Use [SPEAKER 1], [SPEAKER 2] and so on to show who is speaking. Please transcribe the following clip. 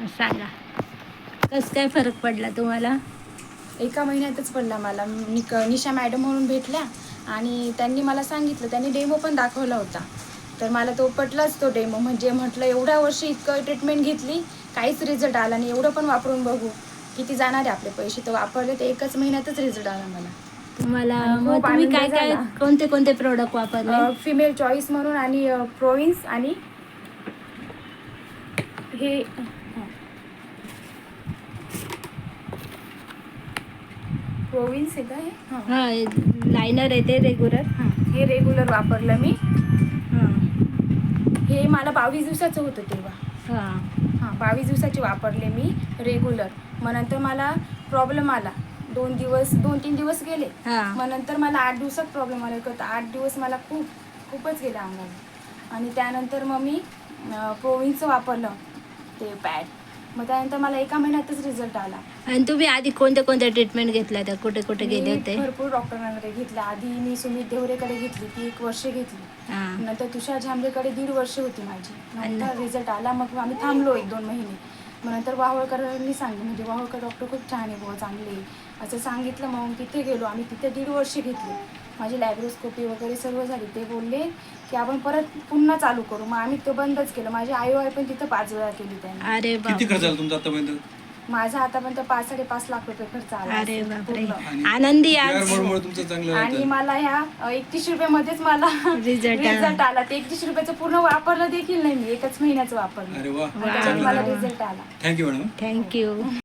[SPEAKER 1] सांगा कसं काय फरक पडला तुम्हाला?
[SPEAKER 2] एका महिन्यातच पडला मला. निशा मॅडम म्हणून भेटल्या आणि त्यांनी मला सांगितलं, त्यांनी डेमो पण दाखवला होता. तर मला तो पटलाच तो डेमो. म्हणजे म्हटलं एवढ्या वर्षी इतकं ट्रीटमेंट घेतली, काहीच रिझल्ट आला नाही. एवढं पण वापरून बघू, किती जाणार आहे आपले पैसे. तर वापरले, तर एकच महिन्यातच रिझल्ट आला मला.
[SPEAKER 1] तुम्हाला
[SPEAKER 2] आणि
[SPEAKER 1] मग
[SPEAKER 2] खूप
[SPEAKER 1] तुम्ही
[SPEAKER 2] आनंद
[SPEAKER 1] काय काय
[SPEAKER 2] झाला.
[SPEAKER 1] कोणते कोणते प्रोडक्ट वापरले?
[SPEAKER 2] फिमेल चॉईस म्हणून आणि प्रोविन्स आणि हे प्रोविन्स आहे का हे?
[SPEAKER 1] हां, लायनर आहे ते रेग्युलर.
[SPEAKER 2] हे रेग्युलर वापरलं मी.
[SPEAKER 1] हां
[SPEAKER 2] हे मला 22 दिवसाचं होतं तेव्हा.
[SPEAKER 1] हां
[SPEAKER 2] 22 दिवसाचे वापरले मी रेग्युलर. मग नंतर मला प्रॉब्लेम आला. 2-3 दिवस गेले.
[SPEAKER 1] हां
[SPEAKER 2] मग नंतर मला 8 दिवसात प्रॉब्लेम आला. 8 दिवस मला खूपच गेले अंगाला. आणि त्यानंतर मग मी प्रोविन्सचं वापरलं ते पॅड. मग त्यानंतर मला एका महिन्यातच रिझल्ट आला.
[SPEAKER 1] आणि तुम्ही आधी कोणत्या कोणत्या ट्रीटमेंट घेतल्या त्या? कुठे कुठे गेले
[SPEAKER 2] मी
[SPEAKER 1] होते?
[SPEAKER 2] भरपूर डॉक्टरांकडे घेतल्या. आधी मी सुमित देवरेकडे घेतली, ती 1 वर्ष घेतली.
[SPEAKER 1] हां
[SPEAKER 2] नंतर तुषार झांबरेकडे 1.5 वर्ष होती माझी. नंतर रिझल्ट आला. मग आम्ही थांबलो 1-2 महिने. मग नंतर वाहवळकरांनी सांगितलं, म्हणजे वाहवळकर डॉक्टर खूप छान आहे बुवा, चांगले आहे असं सांगितलं. मग तिथे गेलो आम्ही. तिथे 1.5 वर्ष घेतली. माझी लॅब्रोस्कोपी वगैरे सर्व झाली. ते बोलले की आपण परत पुन्हा चालू करू. मग आम्ही ते बंदच केलं. माझी IOI पण तिथं 5 वेळा केली त्यांनी.
[SPEAKER 1] अरे
[SPEAKER 3] किती खर्च
[SPEAKER 1] बापरे.
[SPEAKER 3] झाला तुमचा आतापर्यंत?
[SPEAKER 2] माझा आतापर्यंत 5-5.5 लाख रुपये खर्च आला
[SPEAKER 1] अरे
[SPEAKER 2] असेल
[SPEAKER 1] बापरे.
[SPEAKER 2] पूर्ण.
[SPEAKER 1] आनंदी
[SPEAKER 3] PR
[SPEAKER 1] आज
[SPEAKER 3] मुळे तुमचं चांगलं
[SPEAKER 2] आणि
[SPEAKER 3] राहतं.
[SPEAKER 2] मला ह्या 31 रुपयामध्येच मला
[SPEAKER 1] रिझल्ट
[SPEAKER 2] रिझल्ट आला. ते 31 रुपयाचं पूर्ण वापरलं देखील नाही मी. 1च महिन्याचं वापरलं.
[SPEAKER 3] अरे वा,
[SPEAKER 2] आणि त्याच्यात मला रिझल्ट आला.
[SPEAKER 3] Thank you madam.
[SPEAKER 1] थँक्यू.